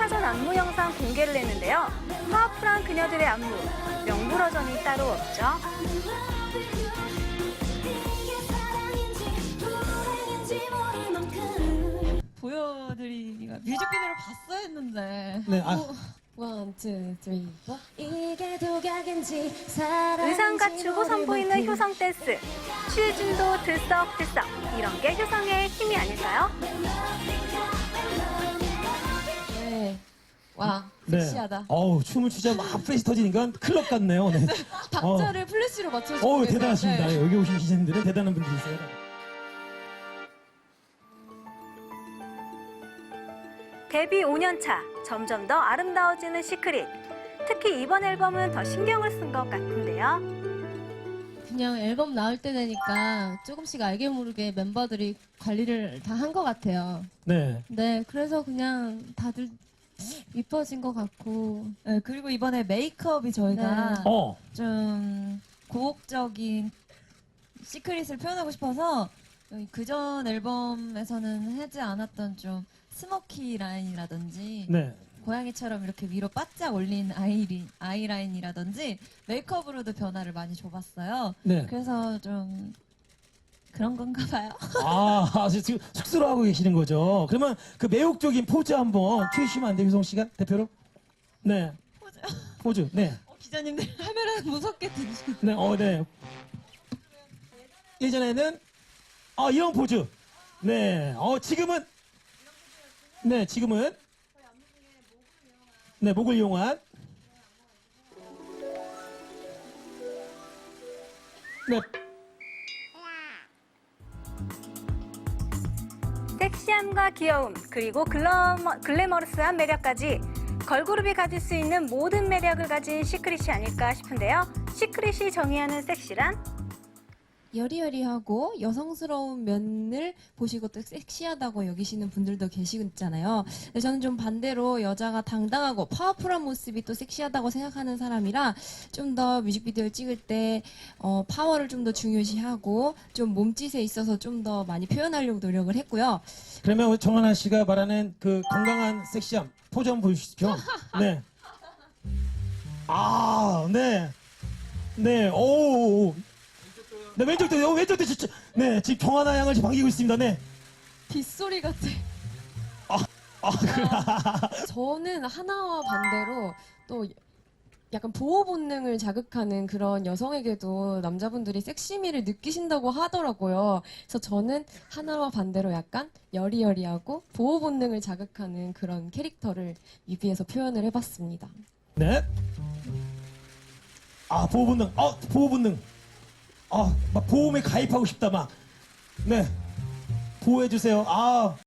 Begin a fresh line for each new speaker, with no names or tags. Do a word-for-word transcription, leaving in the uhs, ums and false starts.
버전 안무 영상 공개를 했는데요. 파워풀한 그녀들의 안무, 명불허전이 따로 없죠.
보여드리기가 뮤직비디오를 봤어야 했는데.
네, 아,
원, 투, 쓰리, 포. 이게 도각인지 사랑인지
의상 갖추고 선보이는
모를
효성 댄스, 취해진도 들썩들썩, 이런 게 효성의 힘이 아닐까요?
네. 와,
네.
섹시하다.
어우, 춤을 추자 막 프레시 터지니까 클럽 같네요. 네.
박자를 플래시로 맞춰주고
어우,
계세요.
대단하십니다.
네.
여기 오신 기자님들은 대단한 분들이세요.
데뷔 오 년 차, 점점 더 아름다워지는 시크릿. 특히 이번 앨범은 더 신경을 쓴 것 같은데요.
그냥 앨범 나올 때 되니까 조금씩 알게 모르게 멤버들이 관리를 다 한 것 같아요.
네.
네, 그래서 그냥 다들 이뻐진 것 같고.
네, 그리고 이번에 메이크업이 저희가
네.
어,
좀 고혹적인 시크릿을 표현하고 싶어서 그전 앨범에서는 하지 않았던 좀 스모키 라인이라든지
네.
고양이처럼 이렇게 위로 바짝 올린 아이리, 아이라인이라든지 메이크업으로도 변화를 많이 줘봤어요.
네.
그래서 좀 그런 건가 봐요.
아, 아주 지금 쑥스러워하고 계시는 거죠. 그러면 그 매혹적인 포즈 한번 취해주시면 안 돼요, 효성 씨가? 대표로? 네.
포즈요?
포즈, 네.
어, 기자님들 카메라 무섭게 들으시는
네, 어, 네. 예전에는, 아, 이런 포즈. 네. 어, 지금은, 네, 지금은, 네, 목을 이용한, 네.
섹시함과 귀여움, 그리고 글러머, 글래머러스한 매력까지 걸그룹이 가질 수 있는 모든 매력을 가진 시크릿이 아닐까 싶은데요. 시크릿이 정의하는 섹시란?
여리여리하고 여성스러운 면을 보시고 또 섹시하다고 여기시는 분들도 계시잖아요. 근데 저는 좀 반대로 여자가 당당하고 파워풀한 모습이 또 섹시하다고 생각하는 사람이라 좀 더 뮤직비디오를 찍을 때 어, 파워를 좀 더 중요시하고 좀 몸짓에 있어서 좀 더 많이 표현하려고 노력을 했고요.
그러면 정하나 씨가 말하는 그 건강한 섹시함, 포즈 한번 보여주시죠. 네. 아, 네. 네, 오. 네, 왼쪽도, 어, 왼쪽도 진짜, 네, 지금 정하나 양을 지금 반기고 있습니다. 네.
빗소리 같아.
아, 그,
저는 하나와 반대로 또 약간 보호 본능을 자극하는 그런 여성에게도 남자분들이 섹시미를 느끼신다고 하더라고요. 그래서 저는 하나와 반대로 약간 여리여리하고 보호 본능을 자극하는 그런 캐릭터를 뮤비에서 표현을 해봤습니다.
네. 아, 보호본능. 어, 보호본능. 아, 막 보험에 가입하고 싶다, 막. 네. 보호해주세요. 아,